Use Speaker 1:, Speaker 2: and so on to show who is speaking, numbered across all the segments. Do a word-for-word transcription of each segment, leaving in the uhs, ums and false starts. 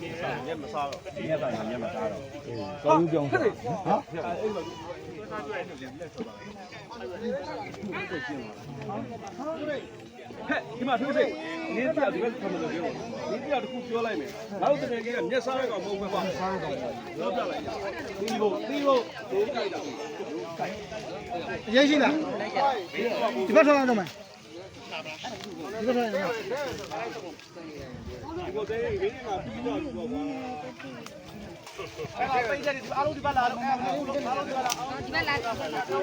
Speaker 1: ညက်မစားတော့ညက်စားညက်မစားတော့
Speaker 2: ကောင်းကြောင်းဟာ
Speaker 1: အဲ့ဒီမှာထိုးစိတ်နေပြဒီဘက်ဆက်မလို့ပြောနေပြတခုပြောလိုက်မယ်နောက်တကယ်ကြီးကမျက်စားရကောင်မဟုတ်ဘူးပါစားရကောင်ပြောပြလိုက်ဒီလိုဒီလိုဒိုးကြိုက်တာ
Speaker 2: အရေးရှိလားဒီဘက်ထွက်လာတော့မယ်ဒီဘက်ထွက်လာ
Speaker 1: ဒီကိုတဲ့ရင်းမှာပြီးတော့ပြောပါအဲ့ပိတ်ကြတယ်အားလုံးဒီဘက်လာတော့အားလုံးဒီဘက်လာဒီဘက်လာဒီလုံးတော့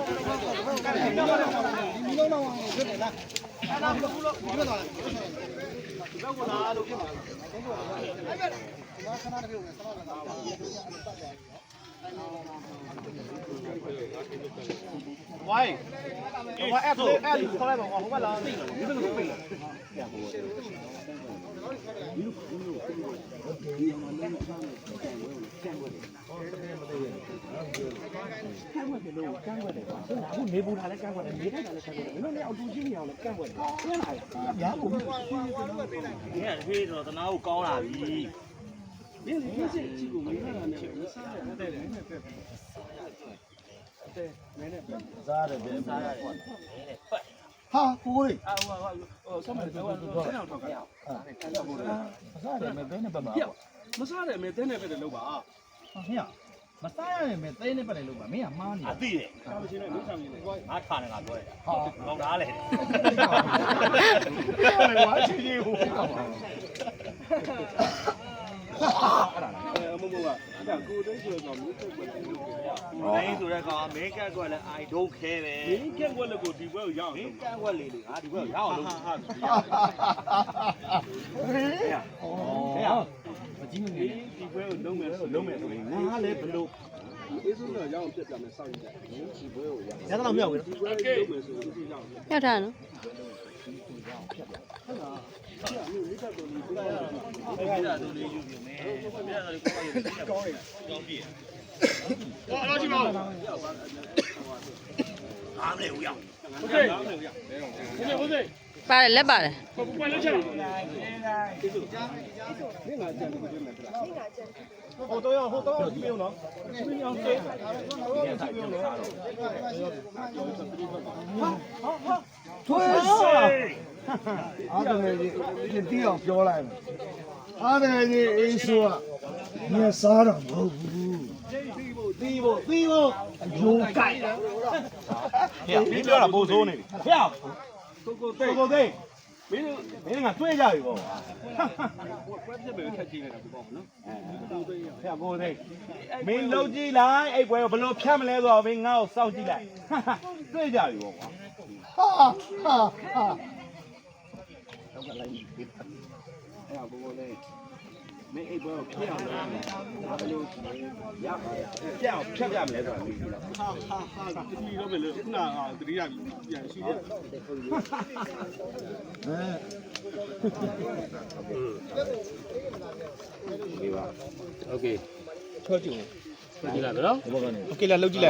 Speaker 1: ဖြစ်နေလားအဲ့ဒါဘူးလို့ဒီဘက်လာဒီဘက်ကလာလို့ဖြစ်မှာအဲ့ဘက်ဘာခဏတည်းဝင်ဆောင်းလာဝိုင်းဝါအဲ့ဒါအဲ့ဒါခေါ်လိုက်ပါဟိုဘက်လာဒီဘက်ကပြေးအခုနေပူတာလည်းကန့်ကွက်တယ်နေထိုင်တာလည်းကန့်ကွက်တယ်မင်းတို့လည်းအောက်တူချင်းနေအောင်လည်းကန့်ကွက်တယ်ကျင်းလာရရာကိုဒီကဖေးတော့တနာကိုကောင်းလာပြီဒီလိုဖြစ်စစ်ကြည့်ကိုမင်းကလည်းစားရတယ်တဲ့နဲ့ပဲတဲ့မင်းနဲ့စားရတယ်စားရတယ်ကွာ
Speaker 2: ဟာကိုလေး
Speaker 1: အာဟိုဟိုဆက်မယ်တော့ဆက်အောင်ထောက်ကြရအောင်
Speaker 2: မစားတယ်မဲဘဲနဲ့ပတ်ပါ
Speaker 1: မစားတယ်မဲတဲနဲ့ပဲလို့ပါ
Speaker 2: ဟေ့မစားရတယ်မဲတဲနဲ့ပတ်တယ်လို့ပါမင်းကမားနေ
Speaker 1: အသိတယ်စားမချင်းနဲ့မင်းဆောင်နေတယ်ငါထားတယ်ငါပြောတယ်
Speaker 2: ဟာ
Speaker 1: ကောင်းသားလေဝါချီကြီးဟိုအမမကအဲ့ဒါကိုတိတ်ဆိုတော့မြို့တက်ွက်တယ်လို့ပြောရအောင်။မင်းဆိုတဲ့ကောင်မင်းကက်ကွက်လဲ I don't care ပဲ။မင်းကက်ကွက်လည်းကိုဒီဘက်ကိုရောက်အောင်။မင်းကက်ကွက်လေးလေငါဒီဘက်ကိုရောက်အောင်လုပ်။ဟာဟာ။ဟေး။ဟေး။မကြည့်မနေဒီဘက်ကိုလုံးမယ်ဆိုလုံးမယ်ဆိုရင်ငါလည်းဘလို့အေးစိုးတော့ရောက်အောင်ပြတ်ပြမယ်စောင့်ကြည့်တယ်။ဒီဘက်ကိုရောက်။ရတော့မြောက်ဝင်။ဒီဘက်ကိုလုံးမယ်ဆိုရင်ဒီရောက်။
Speaker 3: မြောက်ထားနော်။
Speaker 1: အဲ့ဒါမျိုးလေးတက်တော်လေးပြရအောင်။အဲ့ဒါတို့လေးယူပြီမယ်။ပြရတာလေးကိုကောင်းရ။ကောင်းပြီ။ဟောတော့ကြည့်ပါဦး။အားမလဲဦးရအောင်။โอเค။အားမလဲဦးရ။ဟုတ်ကဲ့ဟုတ်ကဲ့
Speaker 3: ။ပါတယ်လက်ပါတယ်
Speaker 1: ။ဘယ်ပွင့်လို့ချက်။ဒီစု။မင်းငါကြံပြီးပြင်မယ်ဗျာ။မင်းငါကြံ။ဟိုတော့ဟိုတော့ပြင်အောင်နော်။ပြင်အောင်စေး။ဟာဟာဟာ
Speaker 2: ထွေးအားတယ်ကြီးတီးအောင်ပြောလိုက်မယ်အားတယ်ကြီးအေးဆိုကမြတ်စားတော့မဟုတ်ဘူးတီးဖို့တီးဖို့အယိုးကြိုက်တာ
Speaker 1: ဟဲ့မင်းပြောတာပိုဆိုးနေပြီဟဲ့ကိုကိုသိကိုသိမင်းမင်းကတွေ့ကြပြီပေါ့ကွက်ပြက်ပဲထက်ကြည့်နေတာပေါ့နော်အဲဟဲ့ကိုသိမင်းလုံးကြည့်လိုက်အဲ့ပွဲကိုဘယ်လိုဖြတ်မလဲဆိုတော့မင်းငါ့ကိုစောင့်ကြည့်လိုက်တွေ့ကြပြီပေါ့ကွာ
Speaker 2: ဟာဟာဟာ
Speaker 1: တော့ကလိုက်ပြီအဲ့ဒါကိုကိုလေးမင်းအိတ်ပွဲကိုဖြတ်အောင်လုပ်မယ်ဒါဘယ်လိုရပါရပြအောင်ဖြတ်ပြမလဲဆိုတာသိပြီလားဟာဟာဟာဒီလိုပဲလေခုနကတတိယပြန်ရှိတယ်
Speaker 4: ဒီပါโอเค
Speaker 2: ချောကြည့်
Speaker 4: ကြည့်လိုက်နော်
Speaker 2: ဘောကနေ
Speaker 4: โอเคလားလှုပ်ကြည့်လိုက်